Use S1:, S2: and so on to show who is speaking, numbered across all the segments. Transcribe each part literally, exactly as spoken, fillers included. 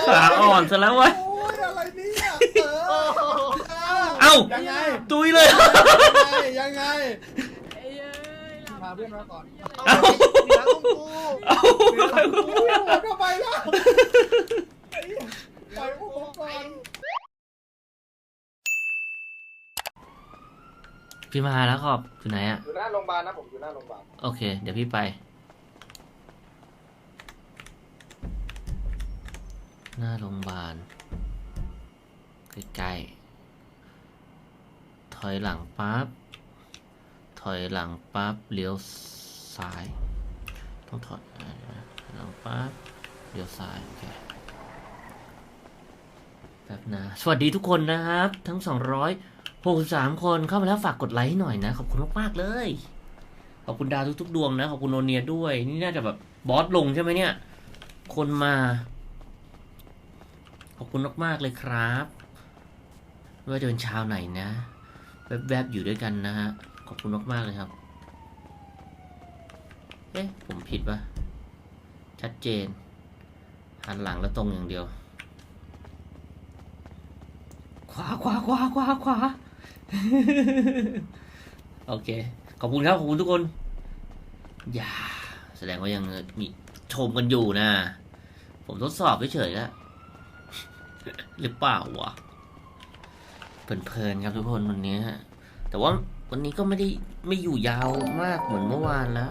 S1: ขาอ่อนซะแล้ววะ
S2: โอ้ยอะไรเนี่ย
S1: เอ้า
S2: ยังไง
S1: ตุยเลย
S2: ยังไงพาเพื่อนมาก่อน
S1: เอ้า
S2: เหนือกุ้งกู
S1: เอ้า
S2: เหนือกุ้งกูหมดเข้าไปแล้วปล่อยอุ้มผมก่อน
S1: พี่มาแล้วครับอยู่ไหนอะ
S2: อยู่หน้าโรงพยาบาลนะผมอยู่หน้าโรงพยาบาล
S1: โอเคเดี๋ยวพี่ไปหน้าโรงพยาบาลใกล้ๆถอยหลังปั๊บถอยหลังปั๊บเลี้ยวซ้ายต้องถอยหลังปั๊บเลี้ยวซ้ายโอเคแป๊บนะสวัสดีทุกคนนะครับทั้งสองร้อยหกสิบสามคนเข้ามาแล้วฝากกดไลค์ให้หน่อยนะขอบคุณมากๆเลยขอบคุณดาวทุกๆดวงนะขอบคุณโนเนียด้วยนี่น่าจะแบบบอสลงใช่ไหมเนี่ยคนมาขอบคุณมากๆเลยครับไม่ว่าจะเป็นชาวไหนนะแวบๆอยู่ด้วยกันนะฮะขอบคุณมากๆเลยครับเอ๊ะผมผิดปะชัดเจนหันหลังแล้วตรงอย่างเดียวขวาขวาขวาขวาขวาโอเคขอบคุณครับขอบคุณทุกคนอย่าแสดงว่ายังมีชมกันอยู่นะผมทดสอบเฉยๆแล้วหรือเปล่าวะเพลินๆครับทุกคนวันนี้แต่ว่าวันนี้ก็ไม่ได้ไม่อยู่ยาวมากเหมือนเมื่อวานแล้ว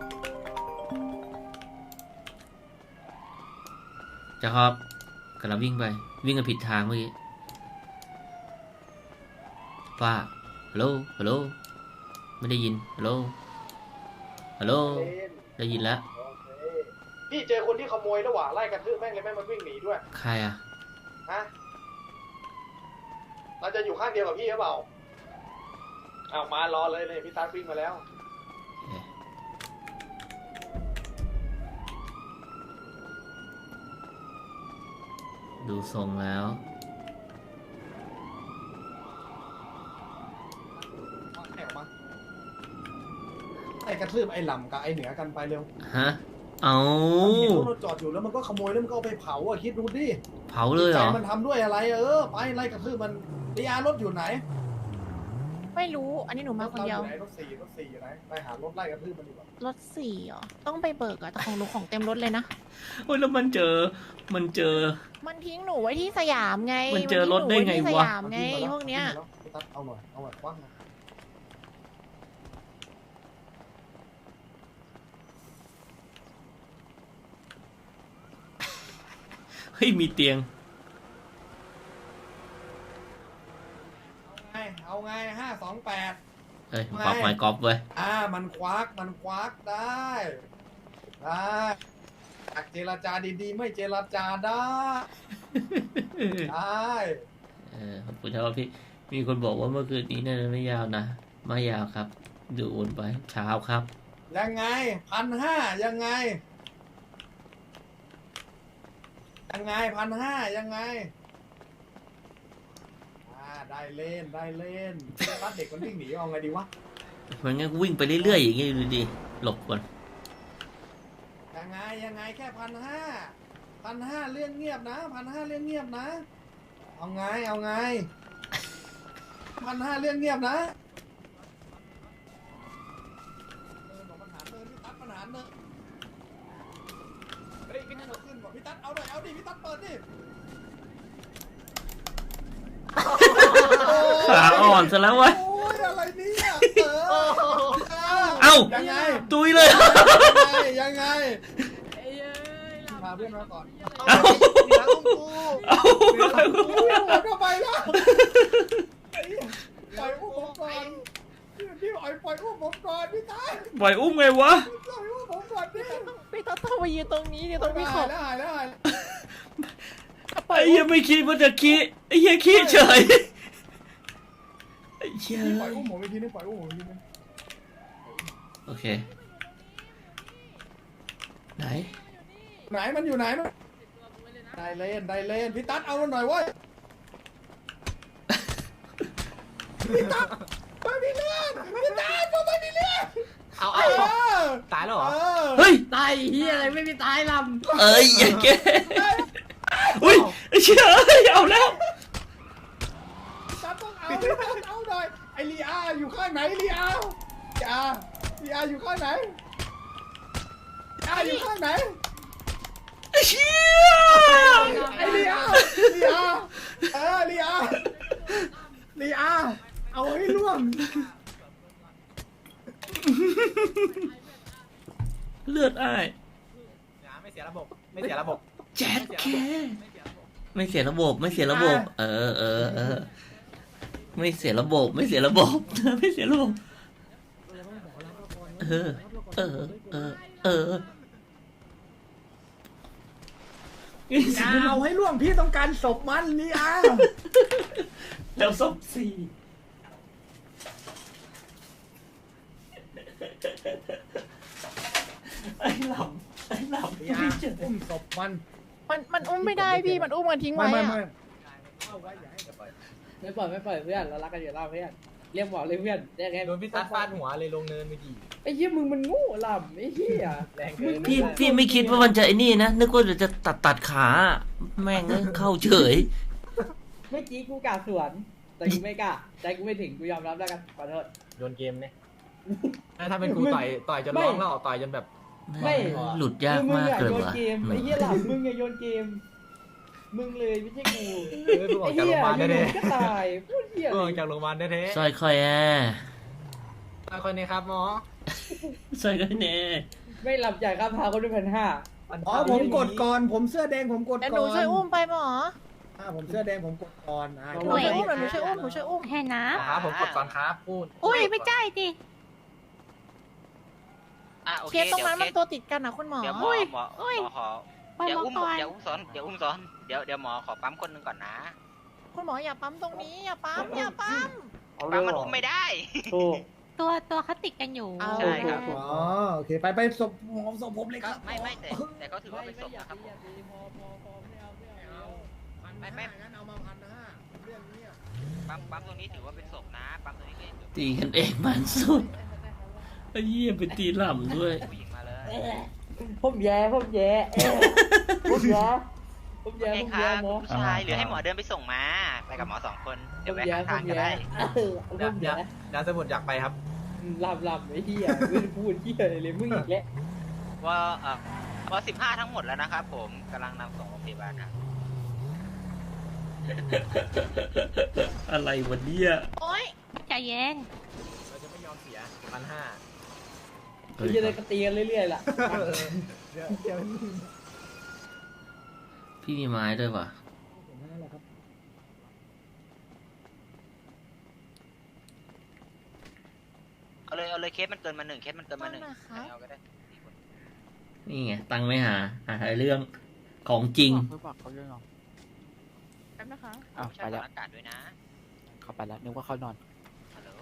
S1: จะครับกำลังวิ่งไปวิ่งกันผิดทางเมื่อกี้ป้าฮัลโหลฮัลโหลไม่ได้ยินฮัลโหลฮัลโหลได้ยินแล้ว
S2: พี่เจอคนที่ขโมยระหว่างไล่กระทืบแม่งเลยแม่งมันวิ่งหนีด้วย
S1: ใครอะ
S2: ฮะเราจะอยู่ข้างเดียวกับพี่หรือเปล่าเอามารอเลยเลยพี่ตาวิ่งมาแล้ว
S1: ดูทรงแล้ว
S2: ไอ้กระทืบไอ้หล่ำกับไอ้เหนือกันไปเร็ว
S1: ฮะเอา
S2: เห็นรถเราจอดอยู่แล้วมันก็ขโมยแล้วมันก็เอาไปเผาอ่ะคิดดูดิ
S1: เผาเลยเหรอ
S2: มันทำด้วยอะไรเออไปไล่กระทืบมันดีอาร์รถอยู่ไหน
S3: ไม่รู้อันนี้หนูมาคนเดียว
S2: รถสี่รถสี่อยู่ไหนไปหารถไล่กระทืบมันดีกว่
S3: ารถสี่เหรอต้องไปเบิกอะแต่ของหนูของเต็มรถเลยนะ
S1: โอ้ยแล้วมันเจอมันเจอ
S3: มันทิ้งหนูไว้ที่สยามไง
S1: มันเจอรถได้ไงวะ
S3: สยามไงพวกเนี้ย
S2: เอาหน่อยเอาหน่อยคว้าง
S1: เฮ้ยมีเตียง
S2: เอาไงเอาไงห้าสองแปด
S1: เฮ้ยควักไม้กอล์ฟเว้ย
S2: อ่ามันควักมันควักได้ได้อยากเจรจาดีๆไม่เจรจาได้ได้
S1: เออขอบคุณครับพี่มีคนบอกว่าเมื่อคืนนี้น่าจะไม่ยาวนะไม่ยาวครับดูโอนไปเช้าครับ
S2: ยังไงพันห้ายังไงยังไงพันห้ายังไงอ่าได้เล่นได้เล่นรัดเด็กมันวิ่งหนีเอาไงดีวะ
S1: มันงั้นวิ่งไปเรื่อยๆอย่างงี้ดูดิหลบก่อน
S2: ยังไงยังไงแค่พันห้าพันห้าเรื่องเงียบนะพันห้าเรื่องเงียบนะเอาไงเอาไงพันห้าเรื่องเงียบนะเออบอกปัญหาเติมพี่ตั๊ดปัญหาเนอะเฮ้ยพี่ตั๊ดเอาขึ้นบอกพี่ตั๊ดเอาหน่อยเอาดิพี่ตั๊ดเปิดดิ
S1: ขาอ่อนซะแล้ววะ
S2: โอ้ยอะไรเนี่ย
S1: เอ้า
S2: ยังไง
S1: ตุยเลย
S2: ยังไงพาเพื่อนมาก่อน
S1: เอ้า
S2: เหนือกุ้งกู
S1: เอ้า
S2: เหนือกุ้งกูหมดเข้าไปแล้วปล่อยอุ้มผมก่อนพี่ปล่อยปล่อยอุ้มผมก่อนพี่ตา
S1: ปล่อยอุ้มไงวะ
S2: ปล่อยอุ้มผมก่อนพี่
S3: พี่ต้องต้องมายืนตรงนี้เนี่ยตรงนี้ขอบ
S2: ได้ได้ได้
S1: ไอ้ยังไม่คิดว่าจะคิดไอ้ยังคิดเฉยไอ้เชี่ย
S2: ปล่อยอุ้มผมอีกทีนึงปล่อยอุ้มผมอีกทีนึง
S1: โอเคไหน
S2: ไหนมันอยู่ไหนมันได้เล่นได้เล่นพี่ตั๊ดเอาหน่อยเว้ยพี่ตั๊ดไปพี่เล่นพี่ตั๊ดไปพี่เล่น
S4: เอาเอาตายแล้วเหรอ
S1: เฮ้ย
S4: ตายเฮียอะไรไม่มีตายลำ
S1: เอ้ยอย่าแกอุ้ยไอ้เชี่ยเอ้ยเอาแล้ว
S2: ซับต้องเอาดิซับเอาหน่อยไอลีอาอยู่ข้างไหนลีอาลีอาลีอาอยู่ข้างไหนลีอาอยู่ข้างไหน
S1: ไอ้เชี่ย
S2: ไอลีอาลีอาเออลีอาลีอาเอาให้ล่วง
S1: เลือดอ้าย
S4: ไม่เสียระบบไม่เสียระบบ
S1: แจ็คแค่
S4: ไม่เสียระบบ
S1: ไม่เสียระบบไม่เสียระบบ เออเออเออไม่เสียระบบไม่เสียระบบ ไม่เสียระบบเออเออเออเออ
S2: อย่าเอาให้ล่วงพี่ต้องการศพมันลีอา
S1: แล้วศพสี่ไอ้หลับไอ้หลับ
S2: ลีอาอุ้มศพมัน
S3: มันมันอุ้มไม่ได้พี่มันอุ้มมันทิ้ง
S2: ไม่
S3: ไว้
S2: ไม่
S3: อะ
S2: ไม่เอาไว้อย่าให้จะปล่อย
S5: ไม่ปล่อยไม่ปล่อยเพื่อนเรารักกันอยู่แล้วเพื่อนเรียกหมอเลยเพื่อนเรียกไง
S4: โดนพี่ซัดฟาดหัวเลยลงเนินเมื่อกี้
S5: ไอ้เหี้ยมึงมันโง่ลำไอ้เหี้ย
S4: แรงเกิน
S1: พี่พี่ไม่คิดว่ามันจะไอ้นี่นะนึกว่าจะตัดตัดขาแม่งเอ้ยเข้าเฉย
S5: เมื่อกี้กูกล้าสวนแต่กูไม่กล้าใจกูไม่ถึงกูยอมรับแล้วกันขอโทษ
S4: โยนเกมเนี่ยถ้าเป็นกูต่อยต่อยจนร้องแล้วต่อยจนแบบ
S5: ไม่
S1: หลุดยาก
S5: มึง
S1: มาก
S5: อะ
S1: เลย
S5: โยน
S1: ว่ะ
S5: เกมไอ้เหี้ยหลับมึงอะโยนเกมมึงเลยไม่ใช่กู
S4: เออเพิ่งออ
S5: ไอ้
S4: กจาก
S5: เหี้
S4: โร
S5: ย
S4: งพยาบาล
S5: อยู่
S4: แท้
S5: ๆก็ตายพูดเหี้ย
S4: ๆเพิ่งออกจากโรงพยาบาลแท้
S1: ซอยคอยแอ
S4: ๆคนนี้ครับหมอ
S1: ซอยคอยแน่
S5: ไม่หลับจ่ายค่าพาคนด้วยพันห้า
S2: อ๋อผมกดก่อนผมเสื้อแดงผมกด
S3: แต่ห
S2: ก่
S3: นู
S2: อน
S3: ช่วยอุ้มไปหมอ
S2: อ่าผมเสื้อแดงผมกดก่อนอ่า
S3: หนูช่วยอุ้มหนูช่วยอุ้มหนูช่วยอุ้ม
S6: แค่น้
S4: ครับผมกดก่อนครับพูด
S6: ำอุ้ยไม่ใช่ดิ
S7: อ่ะโอ
S3: เค
S7: เค
S3: สตรง
S7: เดี๋ยว
S3: นั้น
S7: เค
S3: มัน
S7: ส
S3: ตัวติดกันนะคุณหมอ
S7: เดี๋ยวหมอหมอหมอขอ
S6: ปล่อย
S7: เดี๋ยว
S6: มา
S7: อุ้ม
S6: ก่อน
S7: เดี๋ยวอุ้มซ้อนเดี๋ยวอุ้มซ้อนเดี๋ยวเดี๋ยวหมอขอปั๊มคนหนึ่งก่อนนะ
S3: คุณหมออย่าปั๊มตรงนี้อย่าปั๊มอย่าปั๊ม
S7: ปั๊มมันอุ้มไม่ได้
S5: ถูก
S6: ตัวตัวเขาติดกันอยู่
S3: เอา
S7: ใช่ครับ
S2: อ๋อโอเคไปไปศพหมอศพผมเลยค
S7: ก็
S2: รับ
S7: ไม่ไม่แต่แต่ก็ถือว่าเป็นศพนะครับผม
S5: พอพอพอไม่เอาไม่เอา
S7: ไม่ไม่
S2: งั้นเอามาพันห้าเรื่องนี้
S7: ปั๊มปั๊มตรงนี้ถือว่าเป็นศพนะปั๊มตรงนี้ก็ยังถือ
S1: ตีกันเองมันสุดไอ้เหี้ยไปตีหล่ำด้วย
S7: ผู้หญิงมาเลย
S5: ผมแย่ผมแย่ผมแย่ผมแย่
S7: โอเค
S5: ผม
S7: ค
S5: แย่
S7: รับ
S5: หมอ
S7: ผู้ชายหรือให้หมอเดินไปส่งมาไปกับหมอสองคนเดี๋ยวแวะข้างทางก็ได้
S5: ผม
S4: เดี๋ยว
S5: แย่
S4: เดี๋ยวสมุดอยากไปครับ
S5: หลับหลับไอ้เหี้ยไม่ได้พูดเหี้ยเลยมึงอีกแล้ว
S7: ว่าเออว่าสิบห้าทั้งหมดแล้วนะครับผมกำลังนำส่งโรงพยาบาลครับ
S1: อะไรวะเนี่ย
S3: โอ๊ย
S6: ใจเย็น
S4: เราจะไม่ยอมเสียพันห้า
S5: กูจะได้กระตีกันเรื่อยๆล่ะ
S4: เดี๋ยวเดี๋ยว
S1: พี่มีไม้ด้วยว่ะ
S7: เอาเลยเอาเลยเคสมันเกินมาหนึ่งเคสมันเกินมาหนึ่ง
S3: นั่นนะคะ
S7: เอาก็ได้
S1: นี่ไงตังค์ไม่หาหาเรื่องของจริง
S8: เพื่อบอกเขาเรื่องหรอ
S3: แป๊บนะคะ
S8: อ้าว
S7: ไม่ใช่
S8: ไปแล้ว
S7: อากาศด้วยนะ
S8: เขาไปแล้วนึกว่าเขานอน
S7: ฮัลโหล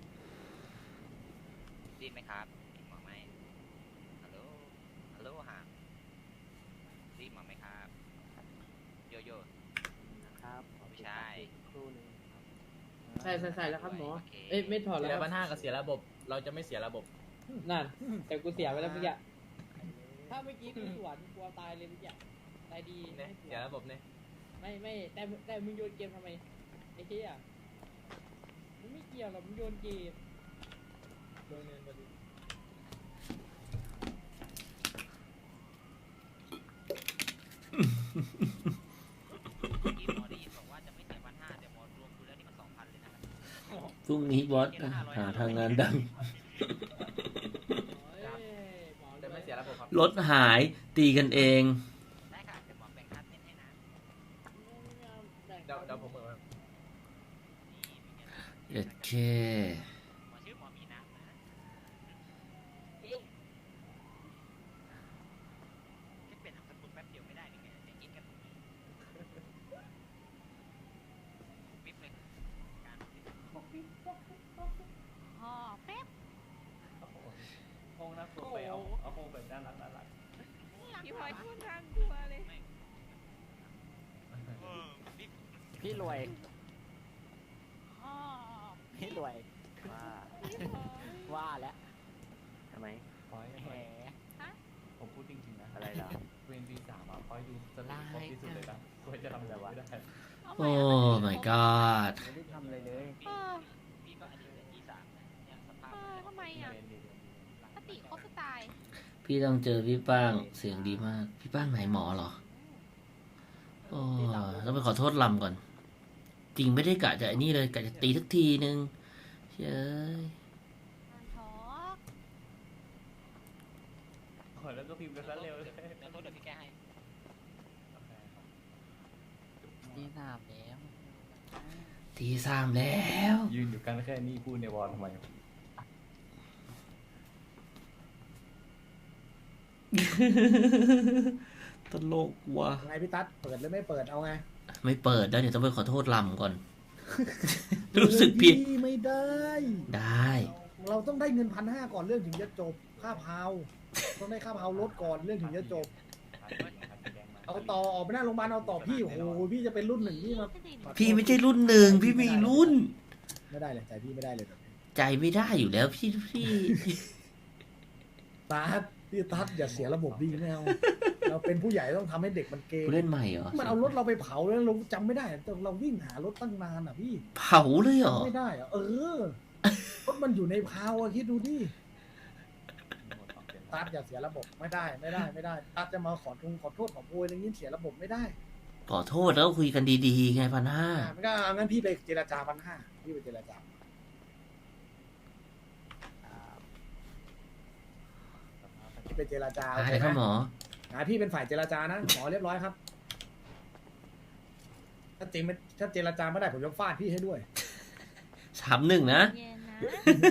S7: ได้ยินไหมครับหมอไหมฮัลโหล ฮัลโหลฮะได้ยินหมอไหมครับ โยโย่
S8: ครับ
S7: ไม่ใช่
S8: ครู่นึง
S5: ใช่ใช่ใช่แล้วครับหมอ
S7: โอเค
S5: เอ้ยไม่ถอด
S4: เสี
S5: แล้ว
S4: ย
S5: ค
S4: พั
S5: รับ
S4: นห้ากับเสียระบบ เราจะไม่เสียระบบ
S5: นั่นแต่กูเสียไปแล้วเมื่อกี้ถ้าเมื่อกี้กูสวนกลัวตายเลยเมื่อกี้ตายดี
S4: เนี่ย
S5: ไม่ส
S4: เสีย
S5: วน
S4: ระบบเนี่ย
S5: ไม่ไม่แต่แต่มึงโยนเกมทำไมไอ้เหี้ยมึงไม่เกี่ยวหรอกมึงโยนเกม
S4: โดนเงินพอดี
S7: เมื่อกี้หมอได้ยินบอกว่าจะไม่เสียพันห้าเดี๋ยวหมอรวมดูแล้วนี่มันสองพันเลยนะครับ
S1: พรุ่งนี้บอสหาทางงานดัง
S5: เอ้ยหมอ
S4: จะไม่เสียระบบครับ
S1: รถหายตีกันเอง
S7: ได้ค่ะเดี๋ยวหมอแบ่งค่าเต้นให้นะ
S4: เดี๋ยวเดี๋ยวผมเหมือน
S1: เอ็ดเค
S7: หมอชื่อหมอมีน้ำนะแค่เปลี่ยนนามสกุลแป๊บเดียวไม่ได้หรือไงจะกินกันตรงนี้ปิ๊บเลยการปิ๊บ
S6: อ๋อแป๊บ
S4: ห้องน่ากลัวไปเอาเอาห้องแบบน่ารักน่ารัก
S6: พี่พลอยพูดทางตัวเลย
S7: เออปิ๊บ
S8: พี่รวย
S6: อ๋อ
S8: พี่รวยว่าว่าแล้วทำไม
S9: พอย
S8: แหม
S9: ผมพูดจริงๆนะ
S8: อะไรเหรอ
S9: เวนวีสามอ่ะพอยดูสนุกครบที่สุดเลยนะ
S4: ควรจะทำอะไรวะได้
S1: โอ้ my god
S8: ไม่ได้ทำอะไรเลย
S6: เออ
S7: พี่ก็อายุเลยที่สามนะเนี่ยสภา
S6: เอ
S7: พ
S6: อทำไมอ่ะสติเขาสไตล์
S1: พี่ต้องเจอพี่ป้างเสียงดีมาก พี่ป้างไหนหมอเหรอ โอ้ต้องไปขอโทษลำก่อน จริงไม่ได้กะจะไอ้นี่เลยกะจะตีสักทีนึงเฮ้ย
S6: ท้อ
S4: ขอแล้วก็พิมพ์กันซะเร็วเลย
S7: ขอโทษเดี๋ยวพี่แก้ให้
S8: ที่สามแล้ว
S1: ทีสามแล้ว
S4: ยืนอยู่กันแค่นี้พูดในวอลทำไม
S1: ตลกว่ะ
S2: ไงพี่ตั๊ดเปิดหรือไม่เปิดเอาไง
S1: ไม่เปิดแล้วเดี๋ยวต้องไปขอโทษลำก่อน รู้สึกผิด
S2: พี่ไม่ได้
S1: ได้
S2: เราต้องได้เงินพันห้าก่อนเรื่องถึงจะจบค่าพาวต้องได้ค่าพาวรถก่อนเรื่องถึงจะจบ เอาต่อออกไปหน้าโรงพยาบาลเอาต่อพี่โอ้โหพี่จะเป็นรุ่นหนึ่งพี่มา
S1: พี่ไม่ใช่รุ่นหนึ่งพี่มีรุ่น
S2: ไม่ได้เลยใจพี่ไม่ได้เลยแบบนี้
S1: ใจไม่ได้อยู่แล้วพี่พี่
S2: ตั๊ดพี่ตั๊ดอย่าเสียระบบดีไม่เอาเราเป็นผู้ใหญ่ต้องทำให้เด็กมันเกง
S1: ผู้เล่นใหม่เหรอ
S2: มันเอารถเราไปเผาแล้วเราจำไม่ได้แต่เราวิ่งหารถตั้งนานอ่ะพี่
S1: เผาเลยเหรอ
S2: จำไม่ได้อ่ะเออรถมันอยู่ในพาวอะคิดดูดิตั๊ดอย่าเสียระบบไม่ได้ไม่ได้ไม่ได้ตั๊ดจะมาขอทงขอโทษขอโพยอะไรอย่างนี้เสียระบบไม่ได้
S1: ขอโทษแล้วคุยกันดีๆไงพันห้า
S2: อ่ะไม่ก็เอางั้นพี่ไปเจรจาพันห้าพี่ไปเจรจาพี่ไปเจรจาโอ
S1: อะ
S2: เค
S1: ไร
S2: ไห
S1: ครับหม
S2: ม
S1: อ
S2: อ่ะพี่เป็นฝ่ายเจรจานะหมอเรียบร้อยครับ ถ้าจริงไม่ถ้าเจรจาไม่ได้ผมจะฟาดพี่ให้ด้วย
S1: สามหนึ่งนะ
S6: เย็นนะ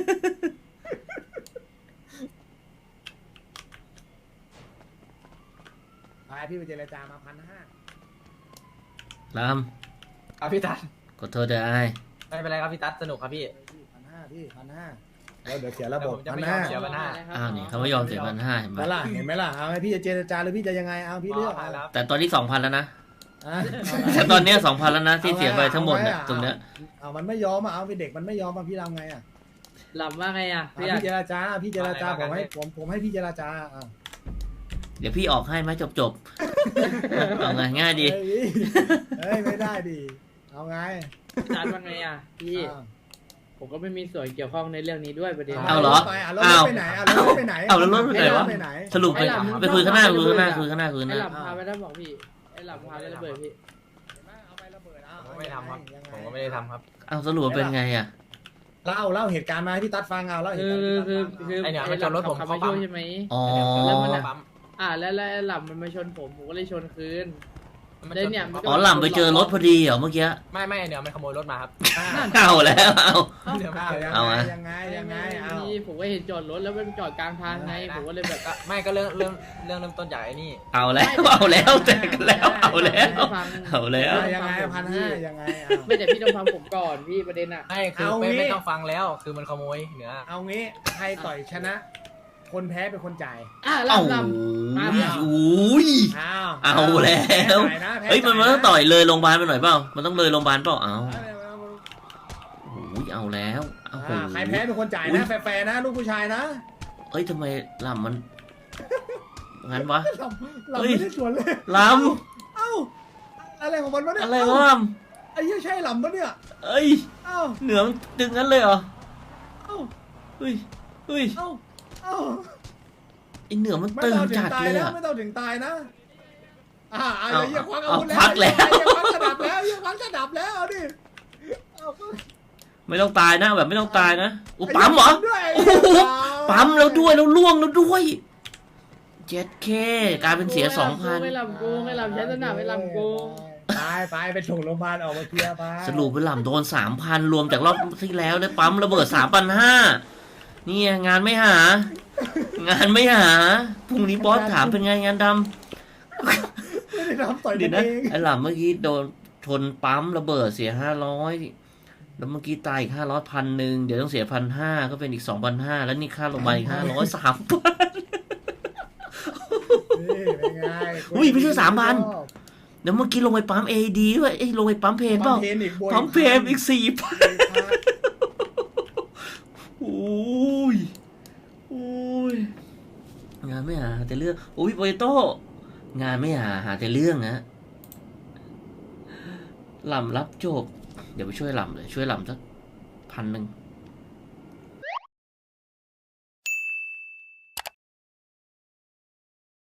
S2: ไปพี่ไปเจรจามาพันห้า
S1: ล
S9: ครับพี่ตัด
S1: ำขอโทษเด้อไอ้
S9: ไม่เป็นไรครับพี่ตัดสนุกครับพี่
S2: พันห้าพี่พันห้าแล้วเดี๋ยวเสียระบบ
S9: แต่ผมจะ
S2: พัน
S9: ไม่ยอ
S2: ห้าม
S9: เสีย พันห้า
S1: อ้าวนี่เขาไม่ยอมเสียพันห้าเห็นไหม
S2: แล้วล่ะเห็นไหมล่ะเอาให้พี่จะเจรจาหรือพี่จะยังไงเอาพี่เลือก
S9: ผ่านแล้ว
S1: แต่ตอนนี้สองพันแล้วนะ
S2: อ่ะ
S1: แต่ตอนเนี้สองพันแล้วนะที่เสียไปทั้งหมดเนี่ยตรงเนี้ย
S2: เอามันไม่ยอมอ่ะเอาไปเด็กมันไม่ยอมอ่ะพี่ทำไงอ่ะ
S5: หลับว่าไงอ่ะ
S2: อ่ะ
S5: พี่อยาก
S2: พี่เจรจาพี่เจรจาผมให้ผมผมให้พี่เจรจาอ่ะ
S1: เดี๋ยวพี่ออกให้ไหมจบจบๆเอาไงง่ายดี
S2: เฮ้ยเฮ้ยไม่ได้ดิเอาไง
S5: จัดว่าไงอ่ะพี่
S2: อ่ะ
S5: ผมก็ไม่มีส่วนเกี่ยวข้องในเรื่องนี้ด้วยประเด็น
S1: เอาเหรอ
S2: ไปอ่ะแล้วรถไปไหนอ่ะแล้วรถไปไหน
S1: เอาแล้วรถไปไหนวะ
S2: ไปไหน
S1: สรุปไป
S5: ไอ้หลับ
S1: ไปคุยข้างหน้าคุยข้างหน้าคุยข้างหน้าคุยข้างห
S5: ไอ้
S1: น้า
S5: หลับพาไปแล้วบอกพี่ไอ้หลับพาไประเบิดพี่
S2: เอาไประเบิดเอา
S9: ผมก็ไม่ทำครับ
S2: ยังไง
S9: ผมก็ไม่ได้ทำครับ
S1: เอาสรุปเป็นไงอ่ะ
S2: เล่าเล่าเหตุการณ์มาให้พี่ตั๊ดฟังเอาเล่าเห
S5: คื
S2: ตุ
S5: อ
S2: การณ์ให้
S5: คือ
S2: พี่ตั๊ดฟัง
S5: คือ
S9: ไอ้เนี่ย
S5: ไอ้
S9: มัน
S5: หลั
S9: ชนรถผม
S5: ขับ
S9: เข้า
S5: มา
S9: ปั๊
S5: ช่
S9: ม
S5: วยใช่ไหม
S1: อ๋อ
S5: แล้วมันอะ
S9: ปั๊ม
S5: อ่าแล้วแล้วไอ้หลับมันมาชนผมผมก็เลยชนคืน
S9: มัน
S5: แล้ว
S9: ชน
S5: เนี่ยมันก็
S1: อ๋อหล่ำไปเจอรถพอดีเหรอเมื่อกี้
S9: ไม่ไม่เนี่ยมันขโมยรถมาครับ
S2: อ่ะ
S1: เอาแล้วเอา
S9: เดี๋ยว
S2: เอา
S9: ไม่
S2: ยัง
S1: เอา
S2: ไง
S1: อะ
S2: ยังไงยังไงเอา
S5: นี่ผมก็เห็นจอดรถแล้วมันจอดกลางทางไงผมก็เลยแบบ
S9: ก็ไม่ก็เรื่องเรื่องเรื่องเริ่มต้นจากไอ้นี่
S1: เอาแล้วเอาแล้วแจกกันแล้วเอาแล้ว
S5: ฟัง
S1: เอาแล้ว
S2: ยังไงพันห้ายังไงเอา
S5: ไม่แต่พี่ต้องฟังผมก่อนพี่ประเด็นอ่ะ
S9: ไม่คือ
S2: เอา
S9: ไม่
S2: งี้
S9: ไม่ต้องฟังแล้ว คือมันขโมยเนื้อ
S2: เอางี้ใครต่อยชนะ คนแพ้เป็นคนจ่าย
S5: อ่ะ
S1: เอา
S5: ลำล มาพี่
S1: อุ้ย
S2: อ้าว
S1: เอาแล้ว
S2: แพ้จ่ายนะแพ้
S1: เฮ้ยมันมันต้อง
S2: จ่า
S1: ต่อยเลยโรงพยาบาลไปหน่อยเปล่ามันต้องเลยโรงพยาบาลเปล่าเอา
S2: นะ
S1: โอ้ยเอาแล้วโอ้โห
S2: อ่าใครแพ้เป็นคนจ่าย
S1: อุ๊ย
S2: นะแฟร์ๆนะลูกผู้ชายนะ
S1: เอ้ยทำไมลำมันงั้นวะ
S2: เราเรา
S1: เฮ้ย
S2: ไม่ได้สวนเลย
S1: ล
S2: เอ้าอะไรของมันวะเนี่ย
S1: ำอะไร
S2: เอ้าว
S1: ะล
S2: ไอ้เหี้ยใช่หลำปะเนี่ย
S1: ำเอ้ย
S2: เอ้า
S1: เหนือมันดึงงั้นเลยเหรอ
S2: เอ้า
S1: เฮ้ยเฮ้ย
S2: เอ้าเอ้า
S1: ไอเหนือมัน
S2: ไม่
S1: ตึง
S2: ต้องถึง
S1: จัด
S2: ตาย
S1: เลย
S2: นะ
S1: อะ
S2: ไม่ต้องถึงตายนะอ่าเอา
S1: เอา
S2: อย่าควักอา
S1: เอา
S2: วุธ
S1: ควักแล้ว
S2: อย่าควักกระดับแล้วอย่าควักกระดับแล้วเอาดิเอา
S1: ไม่ต้องตายนะแบบไม่ต้องตายนะอุยปั๊มเหรอ
S2: ด้วย
S1: โอ้โห ปั๊มแล้วด้วยแล้วล่วงแล้วด้วยเจ็ดเคกลายเป็นเสียสองพัน
S5: ไม่ลำกูไม่ลำใช้สนามไม่ลำกู
S2: ไปไปไปส่งโรงพยาบาลออกมาเคลียร์ไป
S1: สรุปไปหล่ำโดนสามพันรวมจากรอบที่แล้วได้ปั๊มระเบิดสามพันห้านี่งานไม่หา งานไม่หาพรุ่งนี้บอสถามเป็นไงงานด
S2: ไม่ได้ทำต่อย
S1: ำ
S2: กั
S1: เดี๋ย
S2: น
S1: วนะ
S2: เอง
S1: ไอ้หล่ำเมื่อกี้โดนชนปั๊มระเบิดเสียห้าร้อยแล้วเมื่อกี้ตายอีกห้าร้อยพันหนึ่งเดี๋ยวต้องเสียพันห้าก็เป็นอีกสองพันห้าแล้วนี่ค่าโรงพยาบาลอีกห้าร้อยสามพัน
S2: นี่เป็นไง
S1: อุ้ยไม่ใช่สามพัน เดี๋ยวเมื่อกี้ลงไปปั๊มเอดีด้วยเอ้ยลงไปปั๊มเพนเป
S2: ปั๊
S1: ล่าม
S2: เพนอีกบวก
S1: ปั๊มเพนอีกสี่พันโอ้ยโอ้ยงานไม่หาหาแต่เรื่องโอ้ยโปเตโต้งานไม่หาหาแต่เรื่องนะลำรับจบ เดี๋ยวไปช่วยลำเลย ช่วยลำสักพันหนึ่ง